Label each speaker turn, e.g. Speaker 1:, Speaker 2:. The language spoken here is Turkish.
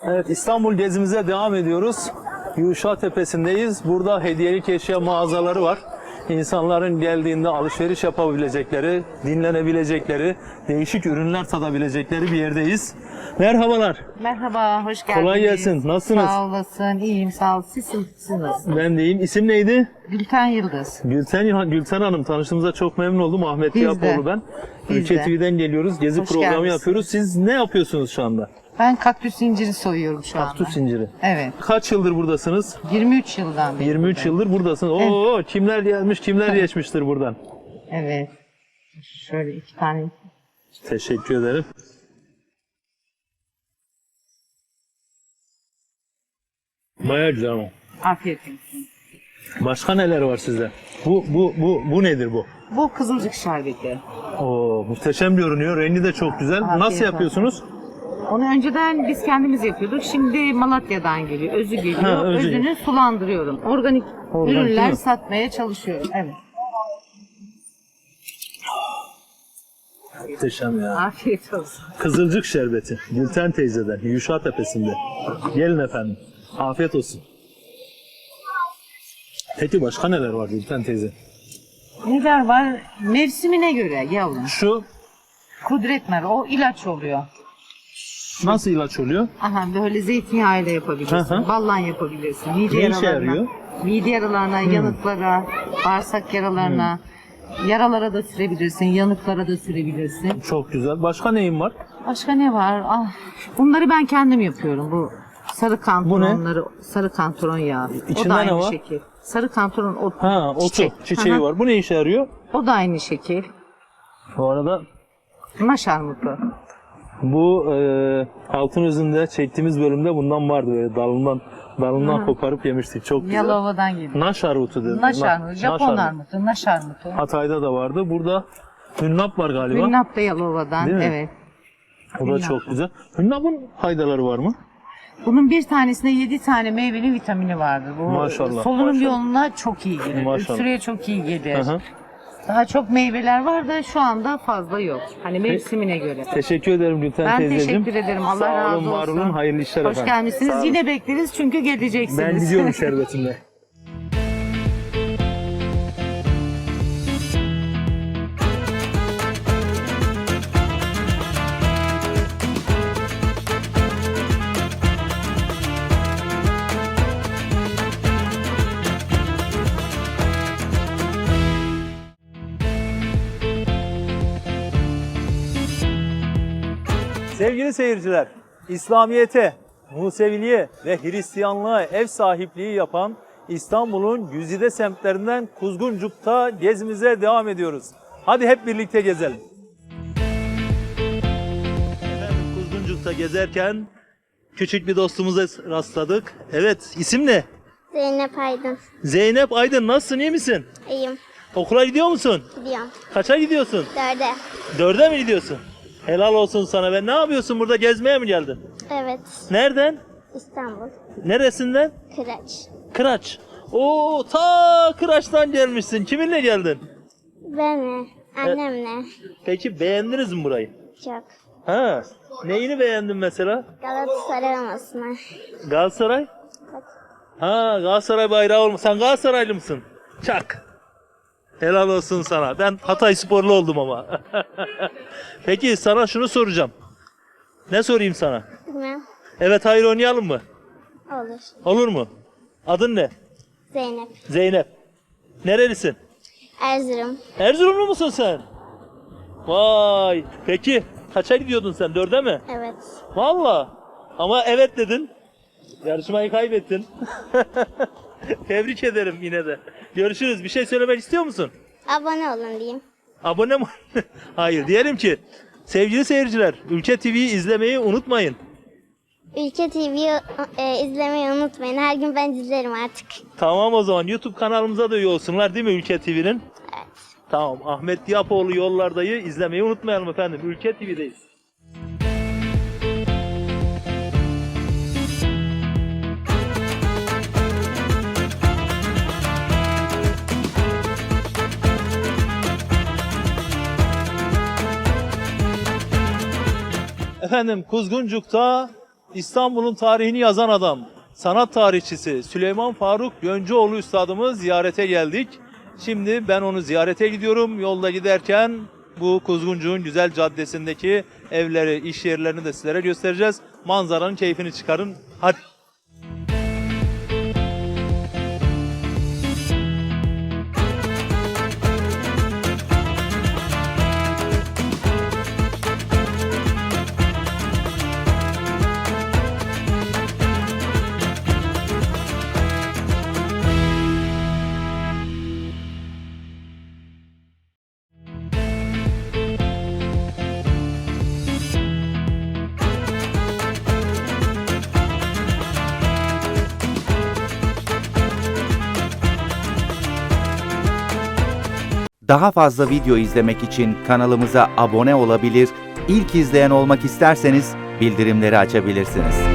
Speaker 1: Evet, İstanbul gezimize devam ediyoruz. Yuşa Tepesi'ndeyiz. Burada hediyelik eşya mağazaları var. İnsanların geldiğinde alışveriş yapabilecekleri, dinlenebilecekleri, değişik ürünler tadabilecekleri bir yerdeyiz. Merhabalar.
Speaker 2: Merhaba, hoş geldiniz.
Speaker 1: Kolay gelsin. Nasılsınız?
Speaker 2: Sağ olasın, iyiyim, sağ ol. Siz nasılsınız?
Speaker 1: Ben de iyiyim. İsim neydi?
Speaker 2: Gülten Yıldız.
Speaker 1: Gülten Hanım. Tanıştığımıza çok memnun oldum. Ahmet
Speaker 2: Biz de.
Speaker 1: Yapoğlu ben.
Speaker 2: Biz
Speaker 1: Ülke
Speaker 2: de.
Speaker 1: TV'den geliyoruz. Gezi
Speaker 2: Hoş
Speaker 1: programı
Speaker 2: geldiniz.
Speaker 1: yapıyoruz. Siz ne yapıyorsunuz şu anda?
Speaker 2: Ben kaktüs inciri soyuyorum şu anda.
Speaker 1: Kaktüs inciri.
Speaker 2: Evet.
Speaker 1: Kaç yıldır buradasınız?
Speaker 2: 23 yıldan beri.
Speaker 1: 23
Speaker 2: buradayım.
Speaker 1: yıldır buradasınız. Oo, kimler gelmiş, kimler geçmiştir buradan.
Speaker 2: Evet. Şöyle 2 tane.
Speaker 1: Teşekkür ederim. Bayağı güzel ama.
Speaker 2: Afiyet olsun.
Speaker 1: Başka neler var sizde? Bu nedir bu?
Speaker 2: Bu kızılcık şerbeti.
Speaker 1: Oo, muhteşem görünüyor. Rengi de çok güzel.
Speaker 2: Afiyet
Speaker 1: Nasıl
Speaker 2: olsun.
Speaker 1: yapıyorsunuz?
Speaker 2: Onu önceden biz kendimiz yapıyorduk. Şimdi Malatya'dan geliyor. Özü geliyor.
Speaker 1: Ha, özü.
Speaker 2: Özünü sulandırıyorum. Organik
Speaker 1: Organik değil
Speaker 2: ürünler
Speaker 1: mi?
Speaker 2: satmaya çalışıyorum. Evet.
Speaker 1: Muhteşem ya.
Speaker 2: Afiyet olsun.
Speaker 1: Kızılcık şerbeti. Gülten teyzeden. Yuşa Tepesi'nde. Gelin efendim. Afiyet olsun. Peki başka neler var Gülten teyze?
Speaker 2: Neler var? Mevsimine göre yavrum.
Speaker 1: Şu
Speaker 2: Kudret nar, o ilaç oluyor.
Speaker 1: nasıl ilaç oluyor?
Speaker 2: Aha böyle zeytinyağıyla yapabilirsin,
Speaker 1: Hı hı.
Speaker 2: ballan yapabilirsin. Mide
Speaker 1: Ne işe
Speaker 2: yaralarına,
Speaker 1: yarıyor?
Speaker 2: mide yaralarına, yanıklara, bağırsak yaralarına, yaralara da sürebilirsin, yanıklara da sürebilirsin.
Speaker 1: Çok güzel. Başka neyin var?
Speaker 2: Başka ne var? Ah, bunları ben kendim yapıyorum. Bu sarı kantaronları, sarı kantaron yağı. O
Speaker 1: İçinde
Speaker 2: da
Speaker 1: ne
Speaker 2: aynı
Speaker 1: var?
Speaker 2: şekil. Sarı kantaron otu.
Speaker 1: Ha, otu. Çiçeği
Speaker 2: Aha.
Speaker 1: var. Bu ne işe yarıyor?
Speaker 2: O da aynı şekil.
Speaker 1: Bu arada
Speaker 2: Maş armutu.
Speaker 1: bu Altınözü'nde çektiğimiz bölümde bundan vardı, böyle dalından koparıp yemiştik. Çok güzel.
Speaker 2: Yalova'dan geliyor.
Speaker 1: Naş armutu dedi.
Speaker 2: Naş armutu, Japon
Speaker 1: armutu.
Speaker 2: armutu, naş armutu.
Speaker 1: Hatay'da da vardı. Burada hünnap var galiba.
Speaker 2: Hünnap da Yalova'dan,
Speaker 1: Değil mi?
Speaker 2: evet.
Speaker 1: O da çok güzel. Hünnap'ın faydaları var mı?
Speaker 2: Bunun bir tanesinde 7 tane meyvenin vitamini vardır. Bu
Speaker 1: Maşallah.
Speaker 2: solunum yoluna çok iyi gelir.
Speaker 1: Maşallah.
Speaker 2: Öksürüğe çok iyi gelir.
Speaker 1: Hı hı.
Speaker 2: Daha çok meyveler var da şu anda fazla yok. Hani mevsimine göre.
Speaker 1: Teşekkür ederim Gülten
Speaker 2: Ben
Speaker 1: teyzeciğim.
Speaker 2: teşekkür ederim. Allah
Speaker 1: Sağ
Speaker 2: razı
Speaker 1: olun,
Speaker 2: olsun.
Speaker 1: var olun. Hayırlı işler
Speaker 2: Hoş
Speaker 1: efendim. Sağ
Speaker 2: gelmişsiniz.
Speaker 1: olun.
Speaker 2: Yine bekleriz çünkü geleceksiniz.
Speaker 1: Ben gidiyorum şerbetimle. Sevgili seyirciler, İslamiyet'e, Museviliğe ve Hristiyanlığa ev sahipliği yapan İstanbul'un güzide semtlerinden Kuzguncuk'ta gezimize devam ediyoruz. Hadi hep birlikte gezelim. Efendim, Kuzguncuk'ta gezerken küçük bir dostumuza rastladık. Evet, isim ne?
Speaker 3: Zeynep Aydın.
Speaker 1: Zeynep Aydın, nasılsın, iyi misin?
Speaker 3: İyiyim.
Speaker 1: Okula gidiyor musun?
Speaker 3: Gidiyorum.
Speaker 1: Kaça gidiyorsun?
Speaker 3: 4'e.
Speaker 1: 4'e mi gidiyorsun? Helal olsun sana. Ben ne yapıyorsun burada, gezmeye mi geldin?
Speaker 3: Evet.
Speaker 1: Nereden?
Speaker 3: İstanbul.
Speaker 1: Neresinden?
Speaker 3: Kıraç.
Speaker 1: Kıraç. Oo, ta Kıraç'tan gelmişsin. Kiminle geldin?
Speaker 3: Ben annemle.
Speaker 1: Peki beğendiniz mi burayı?
Speaker 3: Çok.
Speaker 1: Ha. Neyini beğendin mesela?
Speaker 3: Galatasaray olmasına.
Speaker 1: Galatasaray? Ha, Galatasaray bayrağı olmuş. Sen Galatasaraylı mısın? Çak. Helal olsun sana. Ben Hatay sporlu oldum ama. Peki sana şunu soracağım. Ne sorayım sana?
Speaker 3: Bilmem.
Speaker 1: Evet, hayır oynayalım mı?
Speaker 3: Olur.
Speaker 1: Olur mu? Adın ne?
Speaker 3: Zeynep.
Speaker 1: Zeynep. Nerelisin?
Speaker 3: Erzurum.
Speaker 1: Erzurumlu musun sen? Vay. Peki kaça gidiyordun sen? 4'e mi?
Speaker 3: Evet.
Speaker 1: Valla. Ama evet dedin. Yarışmayı kaybettin. Tebrik ederim yine de. Görüşürüz. Bir şey söylemek istiyor musun?
Speaker 3: Abone olun diyeyim.
Speaker 1: Abone mi? Hayır. Diyelim ki sevgili seyirciler, Ülke TV'yi izlemeyi unutmayın.
Speaker 3: Ülke TV'yi izlemeyi unutmayın. Her gün ben izlerim artık.
Speaker 1: Tamam, o zaman YouTube kanalımıza da üye olsunlar değil mi Ülke TV'nin?
Speaker 3: Evet.
Speaker 1: Tamam. Ahmet Yapoğlu Yollarda'yı izlemeyi unutmayalım efendim. Ülke TV'deyiz. Efendim, Kuzguncuk'ta İstanbul'un tarihini yazan adam, sanat tarihçisi Süleyman Faruk Yöncüoğlu Üstadımız ziyarete geldik. Şimdi ben onu ziyarete gidiyorum. Yolda giderken bu Kuzguncuğun güzel caddesindeki evleri, iş yerlerini de sizlere göstereceğiz. Manzaranın keyfini çıkarın. Hadi.
Speaker 4: Daha fazla video izlemek için kanalımıza abone olabilir, ilk izleyen olmak isterseniz bildirimleri açabilirsiniz.